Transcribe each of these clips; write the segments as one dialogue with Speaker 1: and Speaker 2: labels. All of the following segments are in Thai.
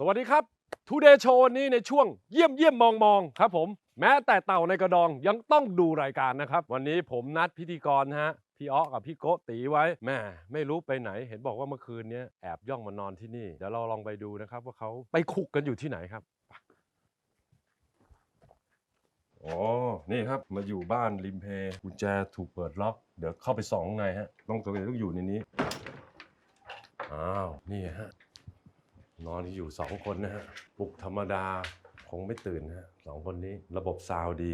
Speaker 1: วัสดีครับ Today Show วันนี้ในช่วงเยี่ยมมองครับผมแม้แต่เต่าในกระดองยังต้องดูรายการนะครับวันนี้ผมนัดพิธีกรฮะพี่อ๊อกับพี่โกตีไว้แม่ไม่รู้ไปไหนเห็นบอกว่าเมื่อคืนนี้แอบย่องมานอนที่นี่เดี๋ยวเราลองไปดูนะครับว่าเขาไปคุกกันอยู่ที่ไหนครับอ๋อนี่ครับมาอยู่บ้านริมเพกุญแจถูกเปิดล็อกเดี๋ยวเข้าไปส่องข้างในฮะต้องอยู่ในนี้อ้าวนี่ฮะนอนอยู่2 คนนะฮะปลุกธรรมดาคงไม่ตื่นฮะ2 คนนี้ระบบซาวด์ดี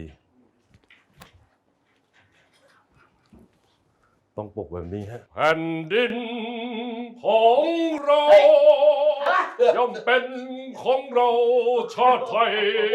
Speaker 1: ต้องปลุกแบบนี้ฮะแผ่นดินของเราย่อมเป็นของเราชาติไทย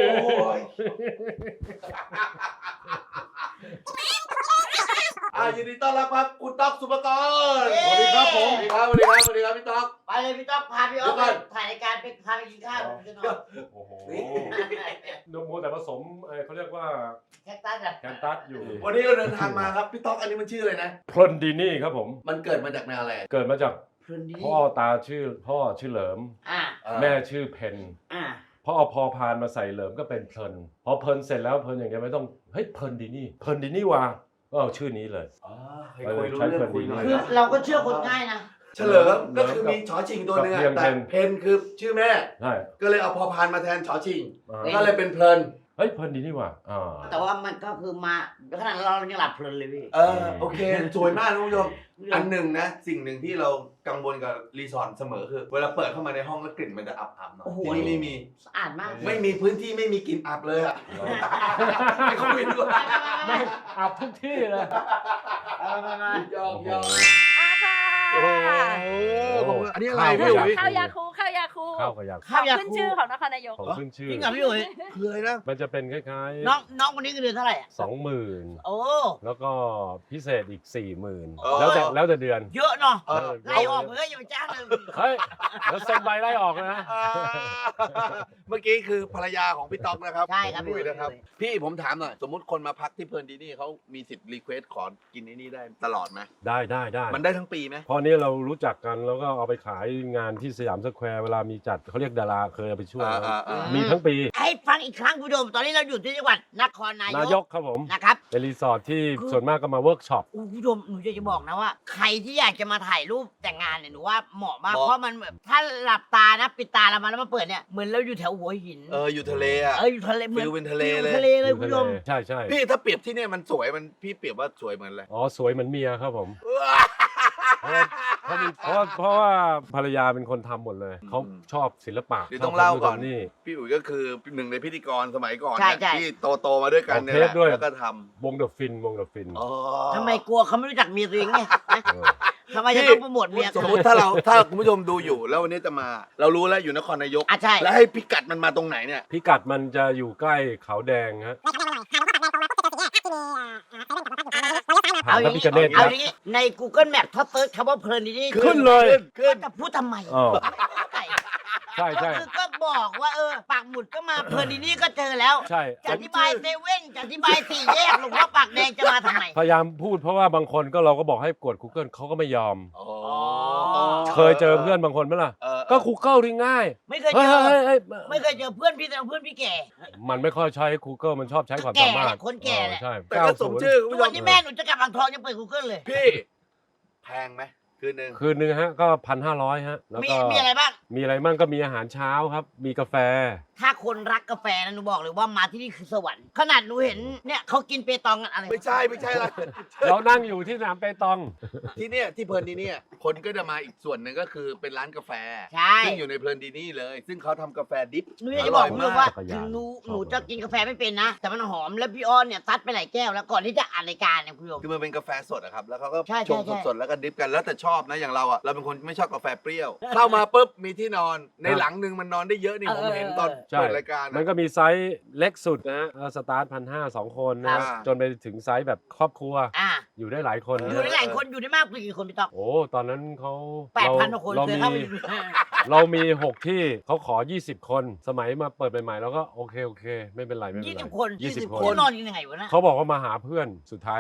Speaker 2: ยินดีต้อนรับครับคุณต๊อกสุภกร
Speaker 1: สวัสดีครับผม
Speaker 2: สวัสดีครับพี่ต๊อก
Speaker 3: ไปเลยพี่ต๊อกพาพี่อ๊อฟไปถ่ายรายการไปพาไปกินข้าวจะนอน
Speaker 1: โอ้โหโมแต่ผสมเขาเรียกว่า
Speaker 3: แคคตัสอะ
Speaker 1: แคนตัสอยู่
Speaker 2: วันนี้เราเดินทางมาครับพี่ต๊อกอันนี้มันชื่ออะไรนะ
Speaker 1: เพลินดีนี่ครับผม
Speaker 2: มันเกิดมาจากแนวอะไร
Speaker 1: เกิดมาจาก
Speaker 3: เพลินดี
Speaker 1: พ่อชื่อเหลิม
Speaker 3: อ่า
Speaker 1: แม่ชื่อเพน
Speaker 3: อ่า
Speaker 1: พอเอาพอพานมาใส่เหลิมก็เป็นเพลินพอเพลินเสร็จแล้วเพลินอย่างเงี้ยไม่ต้องเฮ้ยเพลินดีนี่ว่ะก็เอาชื่อนี้เลย
Speaker 2: เคยคุยรู้เรื่องคุยหน่อย
Speaker 3: คือเราก็เชื่อคนง่ายนะ
Speaker 2: เฉลิมก็คือมีชอชิงตัวหนึงอะแต่เพนคือชื่อแม่
Speaker 1: ใช่
Speaker 2: ก็เลยเอาพอพานมาแทนชอชิง
Speaker 1: อ่า
Speaker 2: ก็เลยเป็นเพลิน
Speaker 1: เฮ้ยเพลินดีนี่ว่ะ
Speaker 3: แต่ว่ามันก็คือมาขนาดเรายังหลับเพลินเลยพี่
Speaker 2: โอเคสวยมากนะคุณผู้ชมอันหนึ่งนะสิ่งหนึ่งที่เรากังวลกับรีสอร์ทเสมอคือเวลาเปิดเข้ามาในห้องแล้วกลิ่นมันจะอับๆหน่อยที่นี่ไม่มี
Speaker 3: สะอาดมาก
Speaker 2: ไม่มีพื้นที่ไม่มีกลิ่นอับเลยอ่ะไม่คุยด้วย
Speaker 1: ไม่อาบทุกที่เลย
Speaker 2: ยอก
Speaker 1: โอ้โห
Speaker 2: อันนี้อะไรพี่อุ๋ย
Speaker 4: ข้าวยาคูข้าวยาคู
Speaker 1: ข้าวกับยา
Speaker 4: ของขึ้นชื่อของนครนายก
Speaker 1: ของขึ้นชื่อ
Speaker 3: จริงเหรอพี่อุ๋ย
Speaker 2: คืออะไรนะ
Speaker 1: มันจะเป็นคล้ายๆ
Speaker 3: น้องคนนี้คือเดือนเท่าไหร่อะ
Speaker 1: 20,000
Speaker 3: โอ้
Speaker 1: แล้วก็พิเศษอีก 40,000
Speaker 3: อ๋อ
Speaker 1: แล้วแต่เดือน
Speaker 3: เยอะเนาะ
Speaker 2: เออ
Speaker 3: ไล่ออกเลยอย่าไปจ้างเลย
Speaker 1: เฮ้ยแล้วเซ็นใบไล่ออกนะ
Speaker 2: เมื่อกี้คือภรรยาของพี่ต๊อกนะครับ
Speaker 3: ใช่ครับ
Speaker 2: พี่
Speaker 3: พี่
Speaker 2: อุ๋
Speaker 3: อุ๋
Speaker 2: ย
Speaker 3: ย
Speaker 2: นะครับ พี่ผมถามหน่อยสมมติคนมาพักที่เพลินดีนี่เขามีสิทธิ์รีเควสขอกินไอ้นี่ได้ตลอดไหม
Speaker 1: ได้
Speaker 2: มันได้ทั้งปีไหม
Speaker 1: พอนี้เรารู้จักกันแล้วก็เอาไปขายงานที่สยามสแควร์เวลามีจัดเขาเรียกดาราเคยเอาไปช่วยนะมีทั้งปี
Speaker 3: ให้ฟังอีกครั้งคุณผู้ชมตอนนี้เราอยู่ที่จังหวัดนครนาน
Speaker 1: าย
Speaker 3: ย
Speaker 1: กครับผม
Speaker 3: นะครับ
Speaker 1: เป็นรีสอร์ทที่ส่วนมากก็มาเวิร์กช็อป
Speaker 3: คุณผู้ชมหนูจะบอกนะว่า ใครที่อยากจะมาถ่ายรูปแต่งงานเนี่ยหนูว่าเหมาะมากเพราะมันแบบถ้าหลับตานะปิดตาแล้วมาเปิดเนี่ยเหมือนเราอยู่แถวหัวหิน
Speaker 2: อยู่ทะเลอ่ะ
Speaker 3: อยู่ทะเลเหมือน
Speaker 2: ฟิลเป็นทะเลเลย
Speaker 3: ทะเลเลยคุณผู้ชม
Speaker 1: ใช่
Speaker 2: พี่ถ้าเปรียบที่เนี่ยมันสวยมันพี่เปรียบว่าสวยเหมือนอะไร
Speaker 1: อ๋อสวยเหมือนเมียครับผม เพราะว่าภรรยาเป็นคนทำหมดเลยเขาชอบศิลปะ
Speaker 2: เดี๋ยวต้องเล่าก่อน
Speaker 1: นี่
Speaker 2: พี่อุ๋ยก็คือหนึ่งในพิธีกรสมัยก่อน
Speaker 3: ใช่
Speaker 2: เนี่ยที่โตมาด้วยกันเนี่ยแหละ
Speaker 1: ออกเทปด้วย
Speaker 2: แล้วก็ท
Speaker 1: วงเดอะฟิน
Speaker 2: ำอ๋อ
Speaker 3: ทำไมกลัวเขาไม่รู้จักเมียตัวเองไง
Speaker 1: เออ
Speaker 3: ทำไมจะต้องโปรโมทเมีย
Speaker 2: สมมติถ้าคุณผู้ชมดูอยู่ แล้ววันนี้จะมา เรารู้แล้วอยู่นครนายก
Speaker 3: อ่ะใช่
Speaker 2: แล้วให้พิกัดมันมาตรงไหนเนี่ย
Speaker 1: พิกัดมันจะอยู่ใกล้เขาแดงฮะ
Speaker 3: เอาอย่าง
Speaker 1: พระพิ
Speaker 3: นี้
Speaker 1: ฆเนศ
Speaker 3: เอาอย่างนี้ใน Google Map ถ้าเซิร์ชคำว่าเพลินนี่
Speaker 1: ขึ้นเลย
Speaker 2: ขึ้น
Speaker 3: จะพูดทำไม
Speaker 1: อ๋อ
Speaker 3: ไก่
Speaker 1: ใช่
Speaker 3: ก็คือก็บอกว่าปากหมุดก็มาเพลินนี่ก็เจอแล้ว
Speaker 1: ใช่
Speaker 3: จะอธิบายเซเว่นจะอธิบายสี่แยกหลวงพ่อปากแดงจะมาทำไม
Speaker 1: พยายามพูดเพราะว่าบางคนก็เราก็บอกให้กด Google เขาก็ไม่ยอม
Speaker 2: อ๋อ
Speaker 1: เคยเจอเพื่อนบางคนไหมล่ะ ก็ Google ที่ง่าย
Speaker 3: ไม่เคย
Speaker 1: เฮ้
Speaker 3: เจ
Speaker 1: ย
Speaker 3: อ
Speaker 1: เฮ้ยเฮ้ย
Speaker 3: ไม่เคยเจอเพื่อนพี่แต่เพื่อนพี่แก่
Speaker 1: มันไม่ค่อยใช้ Google มันชอบใช้ความสามารถ
Speaker 3: แก่แหละคนแก่แหละ
Speaker 1: ใช่
Speaker 2: แต่ก็สมชื่อคุณ
Speaker 3: ทุก
Speaker 2: ผู้ช
Speaker 3: วัน
Speaker 2: ม
Speaker 3: นี้แม่หนูจะกลับอ่างทองยังเปิด Google เลย
Speaker 2: พี่แพงไหมคืนหนึ่ง
Speaker 1: คืนนึงฮะก็ 1,500 ฮะแล้วก็
Speaker 3: มีอะไรบ้าง
Speaker 1: มีอะไรมั่งก็มีอาหารเช้าครับ มีกาแฟ
Speaker 3: ถ้าคนรักกาแฟนะหนูบอกเลยว่ามาที่นี่คือสวรรค์ขนาดหนูเห็นเนี่ยเขากินเปตองกันอะไร
Speaker 2: ไม่ใช่ละ
Speaker 1: เรานั่งอยู่ที่สนามเปตอง
Speaker 2: ที่เนี่ยที่เพลินดีเนี่ยคนก็จะมาอีกส่วนหนึ่งก็คือเป็นร้านกาแฟ
Speaker 3: ใช่
Speaker 2: ซึ่งอยู่ในเพลินดีนี่เลย ซึ่งเขาทำกาแฟดิฟ
Speaker 3: หนูอยากจะบอกคุณผู้ชมว่า
Speaker 1: อร่อยมาก
Speaker 3: ถึงหนูจะกินกาแฟไม่เป็นนะ แต่มันหอมแล้วพี่อ้อนเนี่ยซัดไปหลายแก้วแล้วก่อนที่จะอ่านรายการเนี่ยคุณผู้ชม
Speaker 2: คือมันเป็นกาแฟสดอะครับ แล้วเขาก็
Speaker 3: ใช่
Speaker 2: ชง
Speaker 3: ใช่
Speaker 2: สดๆแล้วก็ดิฟกันแล้วแต่ชอบนะอย่างเราอะเราเป็นคนไม่ชอบกาแฟเปรี้ยว เข้ามาปุ๊บมีที่นอนในหลังหนึ่งมันนอนได้เยอะนี่ผมเห็นตอน
Speaker 1: ใช่
Speaker 2: เปิดรายการ
Speaker 1: มันก็มีไซส์เล็กสุดนะฮะสตาร์ท1,500 2 คนนะฮะ
Speaker 2: ครับ
Speaker 1: จนไปถึงไซส์แบบครอบครัว
Speaker 3: อ่า
Speaker 1: อยู่ได้หลายคน
Speaker 3: อยู่ได้หลายคนอยู่ได้มากกว่ากี่คนพี่ต๊อก
Speaker 1: โอ้ตอนนั้นเขา
Speaker 3: 8,000กว่าคน
Speaker 1: เรา
Speaker 3: เคย
Speaker 1: มี
Speaker 3: เข้าไปดู
Speaker 1: เรามี 6 ที่เขาขอ 20 คน สมัยมาเปิดใหม่ๆแล้วก็โอเค ไม่เป็นไรไม่เป็นไร
Speaker 3: 20 คน
Speaker 1: 20 คน
Speaker 3: ที่นอนยังไงวะนะ
Speaker 1: เขาบอกว่ามาหาเพื่อนสุดท้ายแล้ว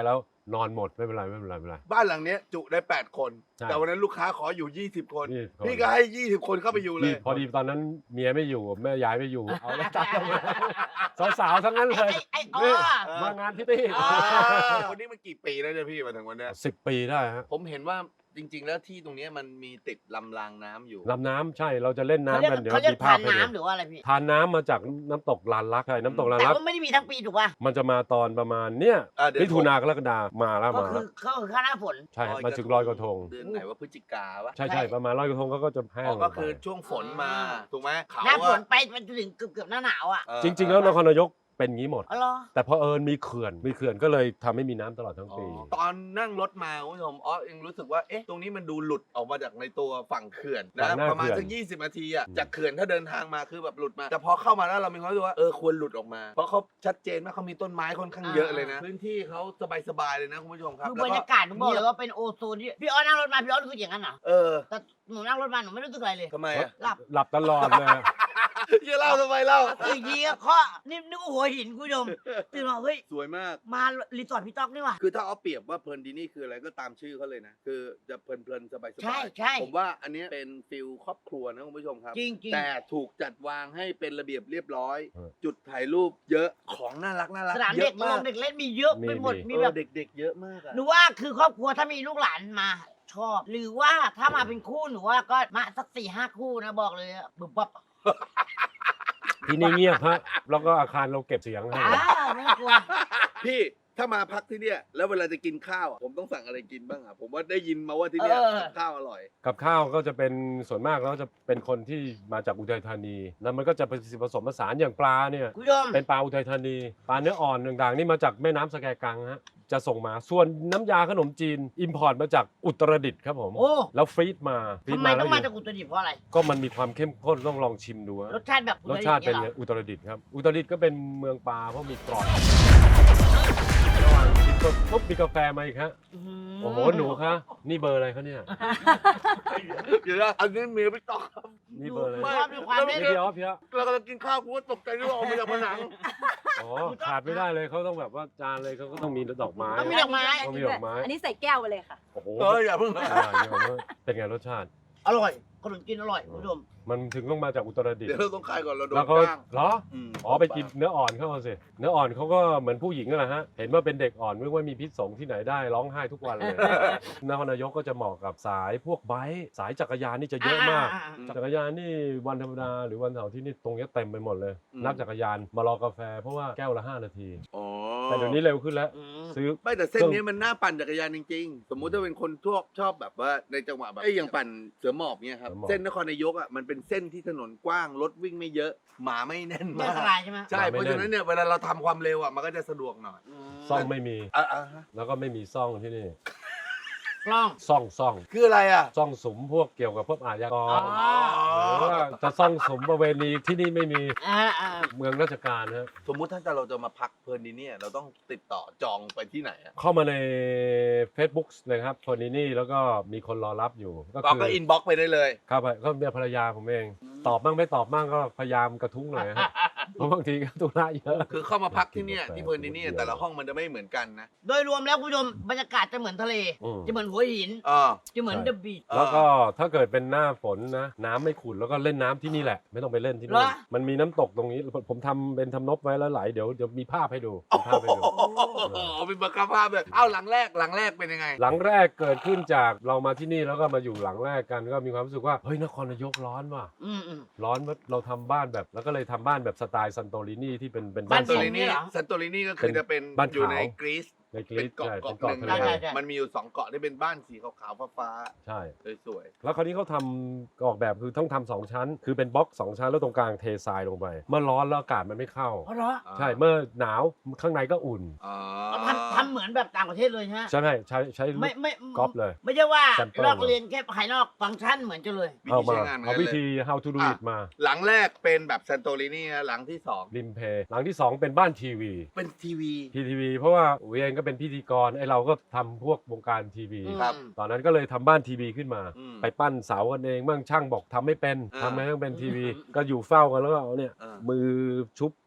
Speaker 1: นอนหมดไม่เป็นไรไม่เป็นไรไม่เป็นไร
Speaker 2: บ้านหลังเนี้ยจุได้8 คน
Speaker 1: ใช่
Speaker 2: แต่วันนั้นลูกค้าขออยู่20 คน
Speaker 1: นี่
Speaker 2: พี่ก็ให้20 คนเข้าไปอยู่เลย
Speaker 1: พอดีตอนนั้นเมียไม่อยู่แม่ยายไม่อยู่เอาแล้วจัดกันมาสาวๆทั้งนั้นเลย
Speaker 3: ไอ้อ๋
Speaker 1: นี่
Speaker 3: อ
Speaker 1: มางานที่นี่
Speaker 2: วันนี้มันกี่ปีแล้วเนี่ยพี่มาถึงวันเนี้ย
Speaker 1: 10 ปีได้ฮะ
Speaker 2: ผมเห็นว่าจริง ๆ แล้วที่ตรงเนี้ยมันมีติดลำรางน้ำอยู่
Speaker 1: ลำน้ำใช่เราจะเล่น
Speaker 3: เขา
Speaker 1: น้ำ
Speaker 3: เรียก
Speaker 1: กันเดี๋ยว
Speaker 3: เขาเรียก
Speaker 1: มีภา
Speaker 3: ทา
Speaker 1: พ
Speaker 3: น
Speaker 1: ให้ดู
Speaker 3: น้ำหรือว่าอะไรพี่
Speaker 1: ทานน้ำมาจากน้ำตกลานลักใช่น้ำตกลาน
Speaker 3: แต่
Speaker 1: ลัก
Speaker 3: ว่าไม่ได้มีทั้งปีถูกป่ะ
Speaker 1: มันจะมาตอนประมาณเนี่ย
Speaker 2: เดือน
Speaker 1: มิถุนากรกฎามาแล้ว
Speaker 3: ก็
Speaker 1: มา
Speaker 3: คื
Speaker 1: แล้
Speaker 3: อ
Speaker 1: ว
Speaker 3: เขาคือข้าวหน้าฝน
Speaker 1: ใช่มาถึงลอยกระทง
Speaker 2: เดือนไหนว่าพฤศจิกาวะ
Speaker 1: ใช่ใช่ประมาณลอยกระทงเขาก็จะแห้
Speaker 2: อ๋
Speaker 1: ง
Speaker 2: อ
Speaker 1: ล
Speaker 2: ก็
Speaker 1: งไป
Speaker 2: คือช่วงฝนมาถูกไหมเขา
Speaker 3: หน้าฝน
Speaker 2: อะ
Speaker 3: ไปมันจะถึงเกือบหน้าหนาวอ่ะ
Speaker 1: จริง ๆ แล้วนครนายกเป็นงี้หมด
Speaker 3: อ๋อเหรอ
Speaker 1: แต่พอเอิญมีเขื่อนก็เลยทำให้มีน้ำตลอดทั้งปี
Speaker 2: ตอนนั่งรถมาคุณผู้ชมเองรู้สึกว่าเอ๊ะตรงนี้มันดูหลุดออกมาจากในตัวฝั่งเขื่อน
Speaker 1: ฝั่
Speaker 2: นะ
Speaker 1: งหน้า
Speaker 2: ประมาณ
Speaker 1: เขื่อน
Speaker 2: สัก20 นาทีอะจากเขื่อนถ้าเดินทางมาคือแบบหลุดมาแต่พอเข้ามาแล้วเรามีความรู้สึกว่าควรหลุดออกมา เพราะเขาชัดเจนว่าเขามีต้นไม้ค่อนข้างเยอะเลยนะพื้นที่เขาสบายๆเลยนะคุณผู้ชมครับ
Speaker 3: คือบรรยากาศหนูบอกเลยว่าเป็นโอโซนที่พี่อ้อนั่งรถมาพี่อ้อรู้สึกอย่างนั้นเหรอ แต่หนูนั่งรถมาหนูไม่รู้สึกอะไรเลย
Speaker 2: ทำไมอะ
Speaker 3: หลับ
Speaker 1: ตลอดเลย
Speaker 2: อย่าเล่าทำไมเล่า
Speaker 3: ตื่นทีก็เคาะนี่นึกว่าหัวหินคุณผู้ชมตื่นมาเฮ้ย
Speaker 2: สวยมาก
Speaker 3: มารีสอร์ทพี่ต๊อกนี่ว่ะ
Speaker 2: คือถ้าเอาเปรียบว่าเพลินดีนี่คืออะไรก็ตามชื่อเขาเลยนะ คือจะเพลินๆสบาย
Speaker 3: ใช่ใช่
Speaker 2: ผมว่าอันเนี้ยเป็นฟิลครอบครัวนะคุณผู้ชมครับ
Speaker 3: จริงจริง
Speaker 2: แต่ถูกจัดวางให้เป็นระเบียบเรียบร้อย
Speaker 1: เออ
Speaker 2: จุดถ่ายรูปเยอะของน่ารัก
Speaker 3: สนาม
Speaker 2: เย
Speaker 3: เด็ก
Speaker 2: อะ
Speaker 3: ล
Speaker 2: มาก
Speaker 3: งเด็กเล่นมีเยอะไปหมด
Speaker 1: มี
Speaker 3: มีแบบ
Speaker 2: เด็กๆเยอะมากอะ
Speaker 3: หนูว่าคือครอบครัวถ้ามีลูกหลานมาชอบ หรือว่าถ้ามาเป็นคู่หนูว่าก็มาสัก4-5 คู่นะบอกเลยอะบึบบับ
Speaker 1: ที่นี่เงียบฮะแล้วก็อาคารเราเก็บเสียงให้
Speaker 3: ไม่กลัว
Speaker 2: พี่ถ้ามาพักที่เนี่ยแล้วเวลาจะกินข้าวอะผมต้องสั่งอะไรกินบ้างอะผมว่าได้ยินมาว่าที่เนี่ยกับข้าวอร่อย
Speaker 1: กับข้าวก็จะเป็นส่วนมากแล้วจะเป็นคนที่มาจากอุทัยธานีแล้วมันก็จะผสมผสานอย่างปลาเนี่ย
Speaker 3: คุณผู้ชม
Speaker 1: เป็นปลาอุทัยธานีปลาเนื้ออ่อนต่างๆนี่มาจากแม่น้ำสแกกังฮะจะส่งมาส่วนน้ำยาขนมจีนอิมพอร์ตมาจากอุตรดิตถ์ครับผม
Speaker 3: โอ้
Speaker 1: แล้วฟรีดมาฟรี
Speaker 3: ทำ
Speaker 1: ด
Speaker 3: ไม
Speaker 1: มา
Speaker 3: ต้
Speaker 1: แล้
Speaker 3: อ
Speaker 1: ว
Speaker 3: งมาจากอุตรดิตถ์เพราะอะไร
Speaker 1: ก็มันมีความเข้มข้นต้องลองชิมดูฮะ
Speaker 3: รสชาติแบบ
Speaker 1: รสชาติเป็น
Speaker 3: อุ
Speaker 1: ไง
Speaker 3: ตรดิตถ์
Speaker 1: อุตรดิตถ์ครับอุตรดิตถ์ก็เป็นเมืองปลาเพราะมีกรอยระหว่างกินปุ๊บมีกาแฟมาอีกฮะ
Speaker 3: อื้อหื
Speaker 1: โอ้โหหนูคะนี่เบอร์อะไรคะเนี่ย
Speaker 2: เดี๋ยวนะอันนี้เมียพี่ต๊อกครับ
Speaker 1: นี่เบอร์อะไร
Speaker 3: ชอบด้วยความ
Speaker 1: นี่
Speaker 3: เล่น
Speaker 1: พี่อ๊อฟพี่อ๊อฟ
Speaker 2: เรากำลังกินข้าวกูก็ตกใจที่ว่าออกมาจากผนัง
Speaker 1: อ๋อขาดไม่ได้เลยเขาต้องแบบว่าจานเลยเขาก็ต้องมีดอกไม้
Speaker 3: ต้องมีดอกไม้
Speaker 1: ต้องมีดอกไม้
Speaker 4: อันนี้ใส่แก้วไปเลยค่ะ
Speaker 1: โอ้โห
Speaker 2: อย่าเพิ่ง
Speaker 1: เดี๋ยวว่าเป็นไงรสชาติ
Speaker 3: อร่อยขนมจีนอร่อยคุณผู้ชม
Speaker 1: มันถึงต้องมาจากอุตรดิตถ์
Speaker 2: เดี๋ยวเราต้องคลายก่อนเราโดน
Speaker 1: แล้วก็
Speaker 2: จ้าง
Speaker 1: เหรอ อ๋อไปกินเนื้ออ่อนเข้ามาสิ เนื้ออ่อนเขาก็เหมือนผู้หญิงนั่นแหละฮะ เห็นว่าเป็นเด็กอ่อนไม่ว่ามีพิษสงที่ไหนได้ร้องไห้ทุกวันเลย นครนายกก็จะเหมาะกับสายพวกไบค์สายจักรยานนี่จะเยอะมาก จักรยานนี่วันธรรมดาหรือวันเสาร์ที่นี่ตรงเนี้ยเต็มไปหมดเลย นักจักรยานมารอกาแฟเพราะว่าแก้วละ5 นาที
Speaker 2: อ๋อ
Speaker 1: แต่เดี๋ยวนี้เร็วขึ้นแล้ว
Speaker 3: อืม
Speaker 1: ซื้อ
Speaker 2: ไม่แต่เส้นนี้มันน่าปั่นจักรยานจริงๆ สมมุติถ้าเป็นคนชอบแบบว่าในจังหวะแบบอย่างปั่นเสือหมอบเนี่ยครับ
Speaker 1: เสือหมอบ
Speaker 2: เส้นนครนายกอ่ะมันเป็นเส้นที่ถนนกว้างรถวิ่งไม่เยอะ หมาไม่แน่น
Speaker 3: ไม่
Speaker 2: มา
Speaker 3: อันต
Speaker 2: ก
Speaker 3: รายใช่ไหม
Speaker 2: ใช่เพราะฉะนั้นเนี่ยเวลาเราทำความเร็วอ่ะมันก็จะสะดวกหน่อย
Speaker 1: ซ่องไม่มี
Speaker 2: ฮะ
Speaker 1: แล้วก็ไม่มีซ่องที่นี่
Speaker 3: กล้อง
Speaker 1: ซ่อง
Speaker 2: คืออะไรอ่ะ
Speaker 1: ซ่องสุมพวกเกี่ยวกับพวกอาชญาก
Speaker 3: อ๋
Speaker 1: ร หรือว่าจะซ่องสุมประเวณีที่นี่ไม่มี
Speaker 3: อ่า
Speaker 1: เมืองราชการฮะ
Speaker 2: สมมุติถ้าเราจะมาพักเพลินดีเนี่ยเราต้องติดต่อจองไปที่ไหนอ่ะ
Speaker 1: เข้ามาใน Facebook เลยครับคนนี้นี่แล้วก็มีคนรอรับอยู่ ก็
Speaker 2: ก็
Speaker 1: คือ
Speaker 2: อินบ็อกไปได้เลย
Speaker 1: ครับก็เป็นภรรยาผมเอง ตอบบ้างไม่ตอบบ้างก็พยายามกระทุ้งหน่อยฮะ เพราะบางทีก็ธุระเยอะ
Speaker 2: คือเข้ามาพักที่เนี่ยที่เพลินดีเนี่ยแต่ละห้องมันจะไม่เหมือนกันนะ
Speaker 3: โดยรวมแล้วคุณผู้ชมบรรยากาศจะเหมือนทะเล
Speaker 1: อืม
Speaker 3: จะเหมือนหัวหิน จะเหมือนเดอะบีช
Speaker 1: แล้วก็ถ้าเกิดเป็นหน้าฝนนะ น้ำไม่ขุ่นแล้วก็เล่นน้ำที่นี่แหละ ไม่ต้องไปเล่นที่นู่น
Speaker 3: เหรอ
Speaker 1: มันมีน้ำตกตรงนี้ ผมทำเป็นทำนบไว้แล้วไหลเดี๋ยวมีภาพให้ดูมีภาพให้ดู
Speaker 2: เป็นบังคับภาพเลยเอ้าหลังแรกเป็นยังไง
Speaker 1: หลังแรกเกิดขึ้นจากเรามาที่นี่แล้วก็มาอยู่หลังแรกกันก็มีความรู้สึกว่าเฮ้ยนครนายกร้อนว่ะ
Speaker 3: อืม
Speaker 1: ร้อนว่าเราทำบ้านแบบแล้วก็เลยทำบ้านแบบสไตล์ซันโตรินีที่เป็น
Speaker 3: บ้า
Speaker 1: บ้าน น
Speaker 3: ท
Speaker 1: ส
Speaker 3: ร
Speaker 1: อง
Speaker 3: ง นี่เหรอ
Speaker 2: ซันโตรินีก็คือจะเป็น
Speaker 1: บ้านขาว
Speaker 2: อยู่ในกรีซ
Speaker 1: ในก
Speaker 2: เป็
Speaker 1: รี
Speaker 2: น
Speaker 1: ซใช่
Speaker 2: เกาะ
Speaker 1: เป็น
Speaker 2: หนึ่
Speaker 1: เกาะ
Speaker 2: ง
Speaker 1: ทะเล
Speaker 3: ใช่
Speaker 2: มันมีอยู่2เกาะที่เป็นบ้านสีขาวๆฟ้า
Speaker 1: ใช่
Speaker 2: ๆสวย
Speaker 1: แล้วคราวนี้เขาทำออกแบบคือต้องทำ2 ชั้น คือเป็นบล็อก2 ชั้นแล้วตรงกลางเททรายลงไป เมื่อร้อนแล้วอากาศมันไม่เข้า
Speaker 3: เพราะเหรอ
Speaker 2: ๆ
Speaker 1: ใช่เมื่อหนาวข้างในก็อุ่น
Speaker 2: อ๋อ
Speaker 3: ทำเหมือนแบบต่างประเทศเลยใช่ไหม
Speaker 1: ใช่ไหมใช้ลู
Speaker 3: ไม่
Speaker 1: ก
Speaker 3: ไม่
Speaker 1: ก๊อปเลย
Speaker 3: ไม่ใช่ว่า
Speaker 1: Sample
Speaker 3: ลอกเรียนแค่ภายนอกฟังก์ชันเหมือนกันเลย
Speaker 2: วิ
Speaker 1: เอา
Speaker 2: ธี
Speaker 1: มา
Speaker 2: ใช้งานเหมือน
Speaker 1: เอา
Speaker 2: กัน
Speaker 1: วิ
Speaker 2: เลย
Speaker 1: ธี how to do it มา
Speaker 2: หลังแรกเป็นแบบซันโตรินีนะหลังที่2
Speaker 1: ริมเพหลังที่ 2 เป็นบ้านทีวี
Speaker 2: เป็นทีวี
Speaker 1: ทีวีเพราะว่าอุ๋ยเองก็เป็นพิธีกรไอเราก็ทำพวกวงการทีวี
Speaker 2: ครับ
Speaker 1: ตอนนั้นก็เลยทำบ้านทีวีขึ้นมา
Speaker 2: อืม
Speaker 1: ไปปั้นเสากันเองบ้างช่างบอกทำไม่เป็น
Speaker 2: อ่า
Speaker 1: ทำไมต้องเป็นทีวี ก็อยู่เฝ้ากันแล้วก็เอาเนี่ย
Speaker 2: อ่า
Speaker 1: มือชุบ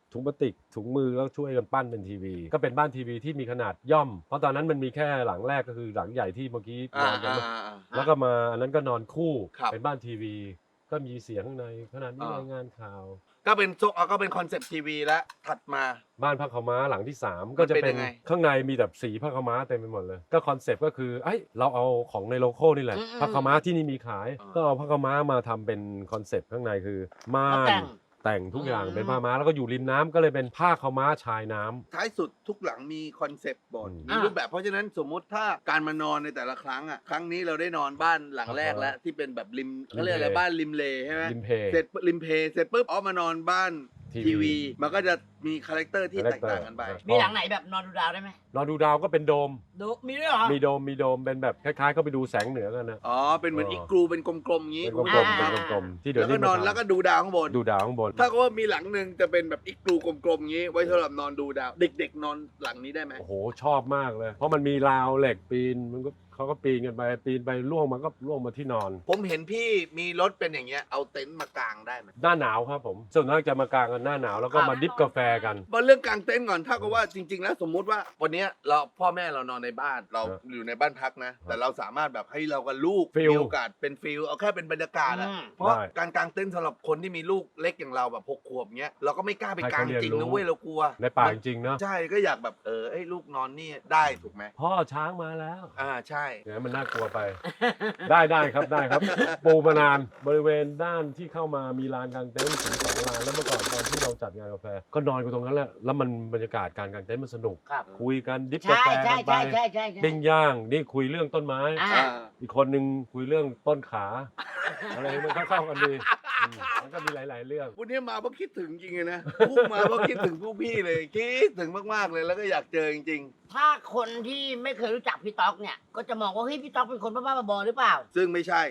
Speaker 1: ถุงพลาสติกถุงมือแล้วช่วยกันปั้นเป็นทีวี ก็เป็นบ้านทีวีที่มีขนาดย่อม เพราะตอนนั้นมันมีแค่หลังแรกก็คือหลังใหญ่ที่เมื่อกี้นอนกันแล้วก็มาอันนั้นก็นอนคู่เป็นบ้านทีวี ก็มีเสียงข้างในขนาดนี้รายงานข่าว
Speaker 2: ก็เป็นคอนเซปต์ทีวีแล้วถัดมา
Speaker 1: บ้านผ้าขาวม้าหลังที่ 3 ก็จะเป็นข้างในมีแบบสีผ้าขาวม้าเต็มไปหมดเลยก็คอนเซปต์ก็คือเราเอาของในโลโก้นี่แหละผ้าขาวม้าที่นี่มีขายก็เอาผ้าขาวม้ามาทำเป็นคอนเซปต์ข้างในคือม่านแต่งทุกอย่างเป็นผ้าม้าแล้วก็อยู่ริมน้ำก็เลยเป็นผ้าขาวม้าชายน้ำ
Speaker 2: ท้ายสุดทุกหลังมีคอนเซปต์บทมีรูปแบบเพราะฉะนั้นสมมุติถ้าการมานอนในแต่ละครั้งครั้งนี้เราได้นอนบ้านหลังแรกแล้วที่เป็นแบบริมเขาเรียกอะไรบ้านริมเลใช่ไหมเสร็จริมเพเสร็จปุ๊บมานอนบ้านทีวีมันก็จะมีคาแรคเตอร์ที่แตกต่างกันไป
Speaker 3: มีหลังไหนแบบนอนดูดาวได้ไหม
Speaker 1: นอนดูดาวก็เป็นโดม
Speaker 3: มีด้วยเหรอ
Speaker 1: มีโดมเป็นแบบคล้ายๆก็ไปดูแสงเหนือกันนะ
Speaker 2: เป็นเหมือนอีกรูเป็นกลมๆงี้
Speaker 1: เป็นกลมๆที่เดี๋ยว
Speaker 2: นี้นอนแล้วก็ดูดาวข้างบนถ้าก็ว่ามีหลังนึงจะเป็นแบบอีกรูกลมๆงี้ไว้สำหรับนอนดูดาวเด็กๆนอนหลังนี้ได้ไหม
Speaker 1: โอ้โหชอบมากเลยเพราะมันมีราวเหล็กปีนมันก็เขาก็ปีนกันไปปีนไปล่วงมันก็ล่วงมาที่นอน
Speaker 2: ผมเห็นพี่มีรถเป็นอย่างเงี้ยเอาเต็นท์มากางได้ไหม
Speaker 1: หน้าหนาวครับผมส่วนมากจะมากางกันหน้าหนาวแล้วก็มาดิฟกาแฟกัน
Speaker 2: มาเรื่องกางเต็นท์ก่อนถ้าก็ว่าจริงๆแล้วสมมุติว่าวันนี้เราพ่อแม่เรานอนในบ้านเราอยู่ในบ้านพักนะแต่เราสามารถแบบให้เรากับลูกมีโอกาสเป็นฟิลเอาแค่เป็นบรรยากาศเพราะการกางเต็นท์สำหรับคนที่มีลูกเล็กอย่างเราแบบ6 ขวบเงี้ยเราก็ไม่กล้าไปกางจริงนะเว้ยเรากลัว
Speaker 1: ในป่าจริงๆเนาะ
Speaker 2: ใช่ก็อยากแบบให้ลูกนอนนี่ได้ถูกไหม
Speaker 1: พ่อช้างมาแล้ว
Speaker 2: ใช่
Speaker 1: เนี่ยมันน่ากลัวไปได้ครับปูมานานบริเวณด้านที่เข้ามามีลานกางเต็นท์ถึง2 ลานแล้วเมื่อก่อนตอนที่เราจัดงานกาแฟก็นอนกันตรงนั้นแหละแล้วมันบรรยากาศการกางเต็นท์มันสนุกคุยกันดิฟกาแฟกันไปปิ้งย่างนี่คุยเรื่องต้นไม้อีกคนนึงคุยเรื่องต้นขาอะไรมันเข้ากันดีมันก็มีหลายๆเรื่อง
Speaker 2: วันนี้มาเพราะคิดถึงจริงเลยนะพุ่งมาเพราะคิดถึงพวกพี่เลยคิดถึงมากๆเลยแล้วก็อยากเจอจริง
Speaker 3: ๆถ้าคนที่ไม่เคยรู้จักพี่ต๊อกเนี่ยก็จะมองว่าเฮ้ยพี่ต๊อกเป็นคนบ้าๆบอๆหรือเปล่า
Speaker 2: ซึ่งไม่ใช่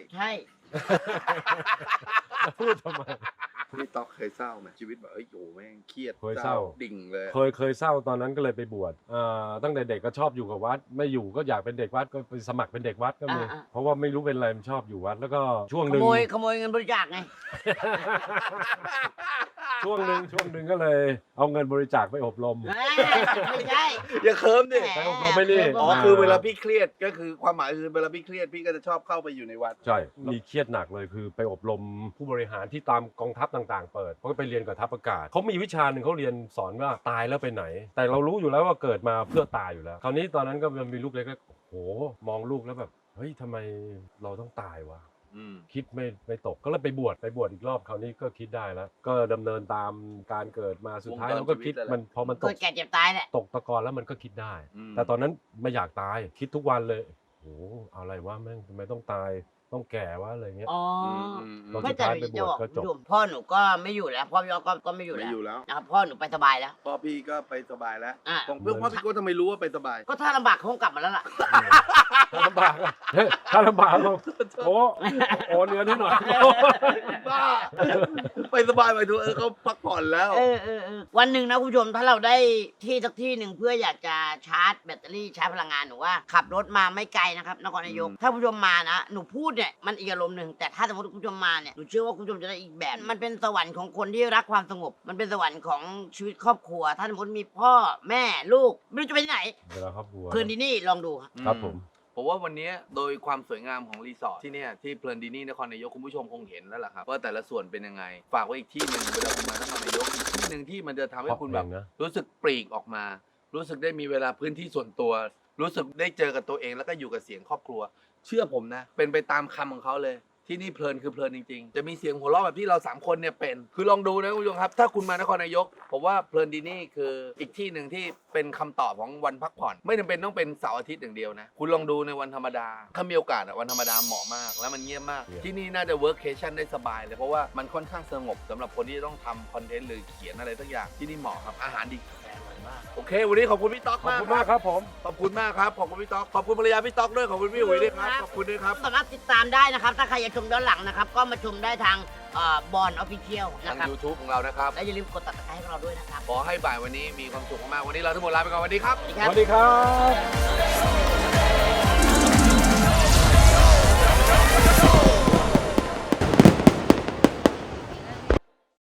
Speaker 1: พูดทำไม
Speaker 2: พี่ต๊อกเคยเศร้าไหมชีวิตแบบโอ้แม่งเครียด
Speaker 1: เคยเศร้า
Speaker 2: ดิ่งเลย
Speaker 1: เคยเศร้าตอนนั้นก็เลยไปบวชตั้งแต่เด็กก็ชอบอยู่กับวัดไม่อยู่ก็อยากเป็นเด็กวัดก็ไปสมัครเป็นเด็กวัดก็มีเพราะว่าไม่รู้เป็นอะไรมันชอบอยู่วัดแล้วก็ช่วงนึง
Speaker 3: ขโมยเงินบริจาคไง
Speaker 1: ช่วงนึงก็เลยเอาเงินบริจาคไปอบรม
Speaker 3: ไม่ใช่
Speaker 2: อย่าเคิร์มดิ
Speaker 1: ไปอบรมไม่นี่
Speaker 2: คือเวลาพี่เครียดก็คือความหมายคือเวลาพี่เครียดพี่ก็จะชอบเข้าไปอยู่ในวัด
Speaker 1: ใช่มีเครียดหนักเลยคือไปอบรมผู้บริหารที่ตามกองทัพต่างๆเปิดเขาก็ไปเรียนกับทัพอากาศเขามีวิชาหนึ่งเขาเรียนสอนว่าตายแล้วไปไหนแต่เรารู้อยู่แล้วว่าเกิดมาเพื่อตายอยู่แล้วคราวนี้ตอนนั้นก็มันมีลูกเล็กๆโหมองลูกแล้วแบบเฮ้ยทำไมเราต้องตายวะคิดไม่ตกก็เลยไปบวชอีกรอบคราวนี้ก็คิดได้แล้วก็ดำเนินตามการเกิดมาสุดท้ายเราก็คิดมันพอมันตก
Speaker 3: แก่เจ็บตายแหละ
Speaker 1: ตกตะกอนแล้วมันก็คิดได้แต่ตอนนั้นไม่อยากตายคิดทุกวันเลยโหอะไรวะแม่งทำไมต้องตายต้องแก่วะอะไรเงี้ย
Speaker 3: เราสุดท้ายไปบวชก็จบพ่อหนูก็ไม่อยู่แล้วพ่อพี่ก็ไม่อยู่แล้วนะครับพ่อหนูไปสบายแล้ว
Speaker 2: พ่อพี่ก็ไปสบายแล้วเพื่อนพ่อพี่ก็ทำไมรู้ว่าไปสบาย
Speaker 3: ก็ถ้าลำบากคงกลับมาแล้วล่ะ
Speaker 1: ถ้าลำบากโอ้เนื้อนิดหน่อย
Speaker 2: บ้าไปสบายไปดูเขาพักผ่อนแล้ว
Speaker 3: วันหนึ่งนะคุณผู้ชมถ้าเราได้ที่สักที่หนึ่งเพื่ออยากจะชาร์จแบตเตอรี่ชาร์จพลังงานหนูว่าขับรถมาไม่ไกลนะครับนครนายกถ้าคุณผู้ชมมานะหนูพูดเนี่ยมันอีกอารมณ์หนึ่งแต่ถ้าสมมติคุณผู้ชมมาเนี่ยหนูเชื่อว่าคุณผู้ชมจะได้อีกแบบมันเป็นสวรรค์ของคนที่รักความสงบมันเป็นสวรรค์ของชีวิตครอบครัวถ้าสมมติมีพ่อแม่ลูกไม่รู้จะไปที่ไหน
Speaker 1: เวลาครอบครัว
Speaker 3: เพลินดินี่ลองดู
Speaker 1: ครับผม
Speaker 2: ว่าวันนี้โดยความสวยงามของรีสอร์ทที่เนี่ยที่เพลินดินี่นครนายกคุณผู้ชมคงเห็นแล้วล่ะครับว่าแต่ละส่วนเป็นยังไงฝากไว้อีกที่หนึ่งเวลาคุณมานครนายกอีกที่หนึ่งที่มันจะทำให้คุณแบบรู้สึกปลีกออกมารู้สึกได้มีเวลาพื้นที่ส่วนตัวรู้สึกได้เจอกับตัวเองแล้วก็อยู่กับเสียงครอบครัวเชื่อผมนะเป็นไปตามคำของเขาเลยที่นี่เพลินคือเพลินจริงๆจะมีเสียงหัวเราะแบบที่เรา3คนเนี่ยเป็นคือลองดูนะคุณผู้ชมครับถ้าคุณมานครนายกผมว่าเพลินดินี่คืออีกที่หนึ่งที่เป็นคำตอบของวันพักผ่อนไม่จำเป็นต้องเป็นเสาร์อาทิตย์อย่างเดียวนะคุณลองดูในวันธรรมดาถ้ามีโอกาสวันธรรมดาเหมาะมากแล้วมันเงียบมากที่นี่น่าจะเวิร์กเคชั่นได้สบายเลยเพราะว่ามันค่อนข้างสงบสำหรับคนที่ต้องทำคอนเทนต์หรือเขียนอะไรสักอย่างที่นี่เหมาะครับอาหารดีโอเควันนี้ขอบคุณพี่ต๊อกมาก
Speaker 1: ขอบคุณมากครับผม
Speaker 2: ขอบคุณมากครับขอบคุณพี่ต๊อกขอบคุณภรรยาพี่ต๊อกด้วยขอบคุณพี่อุ๋ยด้วยครับขอบคุณด้วยครับ
Speaker 3: สามารถติดตามได้นะครับถ้าใครอยากชมย้อนหลังนะครับก็มาชมได้ทางบอลออฟฟิเชียลนะครับ
Speaker 2: ทาง YouTube ของเรานะครับ
Speaker 3: และอย่าลืมกดติดตามให้เราด้วยนะครับ
Speaker 2: ขอให้บ่ายวันนี้มีความสุขมากวันนี้เราทั้งหมดลาไปก่อนสวัสดีครับ
Speaker 1: สวัสดีครับ